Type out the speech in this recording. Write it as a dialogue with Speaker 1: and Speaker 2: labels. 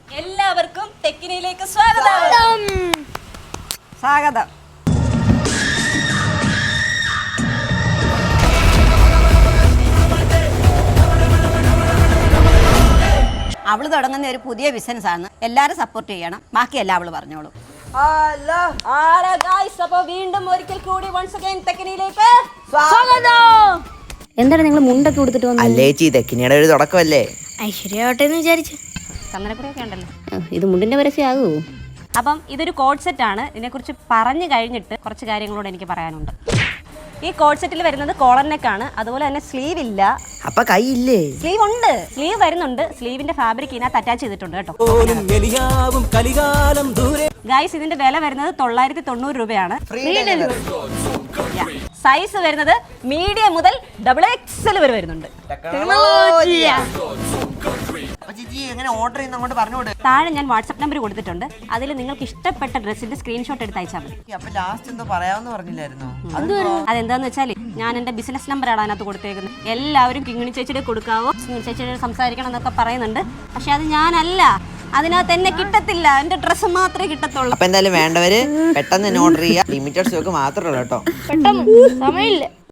Speaker 1: എല്ലാവർക്കും ടെക്കിനിയിലേക്ക് സ്വാഗതം. സ്വാഗതം. അവള് തുടങ്ങുന്ന ഒരു പുതിയ ബിസിനസ് ആണ്. എല്ലാരും സപ്പോർട്ട് ചെയ്യണം. ബാക്കിയെല്ലാം അവള് പറഞ്ഞോളൂ. വീണ്ടും ഒരിക്കൽ കൂടി ടെക്കിനിയിലേക്ക് സ്വാഗതം.
Speaker 2: എന്താണ് നിങ്ങൾ മുണ്ടൊക്കെ കൊടുത്തിട്ട് വന്നത്?
Speaker 3: അല്ലേച്ചി തെക്കിനിയുടെ ഒരു തുടക്കമല്ലേ.
Speaker 2: ഐശ്വര്യോട്ടെ എന്ന് വിചാരിച്ചു.
Speaker 1: ചന്ദനക്കുറിയൊക്കെ ഉണ്ടല്ലോ.
Speaker 2: ഇത് മുണ്ടിന്റെ പരസ്യമാകൂ.
Speaker 1: അപ്പം ഇതൊരു കോഡ് സെറ്റ് ആണ്. ഇതിനെക്കുറിച്ച് പറഞ്ഞു കഴിഞ്ഞിട്ട് കുറച്ച് കാര്യങ്ങളോട് എനിക്ക് പറയാനുണ്ട്. ഈ കോഡ് സെറ്റിൽ വരുന്നത് കോളർ നെക്ക് ആണ്. അതുപോലെ തന്നെ സ്ലീവ് ഇല്ല.
Speaker 3: അപ്പൊ കൈയില്ലേ?
Speaker 1: സ്ലീവ് ഉണ്ട്. സ്ലീവ് വരുന്നുണ്ട്. സ്ലീവിന്റെ ഫാബ്രിക് ഇതിനകത്ത് അറ്റാച്ച് ചെയ്തിട്ടുണ്ട് കേട്ടോ. ഗൈസ്, ഇതിന്റെ വില വരുന്നത് 990 രൂപയാണ്. സൈസ് വരുന്നത് മീഡിയം മുതൽ XXL വരെ വരുന്നുണ്ട്. താഴെ ഞാൻ വാട്സ്ആപ്പ് നമ്പർ കൊടുത്തിട്ടുണ്ട്. അതിൽ നിങ്ങൾക്ക് ഇഷ്ടപ്പെട്ട ഡ്രസ്സിന്റെ സ്ക്രീൻഷോട്ട് എടുത്ത് അയച്ചാൽ മതി. അതെന്താന്ന് വെച്ചാൽ ഞാൻ എന്റെ ബിസിനസ് നമ്പറാണ് അതിനകത്ത് കൊടുത്തേക്കുന്നത്. എല്ലാവരും കിങ്ങിണി ചേച്ചിയുടെ കൊടുക്കാവോ, കിങ്ങിണി ചേച്ചിയുടെ സംസാരിക്കണം എന്നൊക്കെ പറയുന്നുണ്ട്. പക്ഷെ അത് ഞാനല്ല. അതിനകത്ത് എന്നെ കിട്ടത്തില്ല. എന്റെ ഡ്രസ്സ് മാത്രമേ കിട്ടത്തുള്ളൂ.
Speaker 3: അപ്പൊ എന്തായാലും വേണ്ടവര് പെട്ടെന്ന് ഓർഡർ ചെയ്യാം. ലിമിറ്റഡ് സ്റ്റോക്ക് മാത്രമേ ഉള്ളൂ കേട്ടോ.
Speaker 2: പെട്ടെന്ന് സമയമില്ല.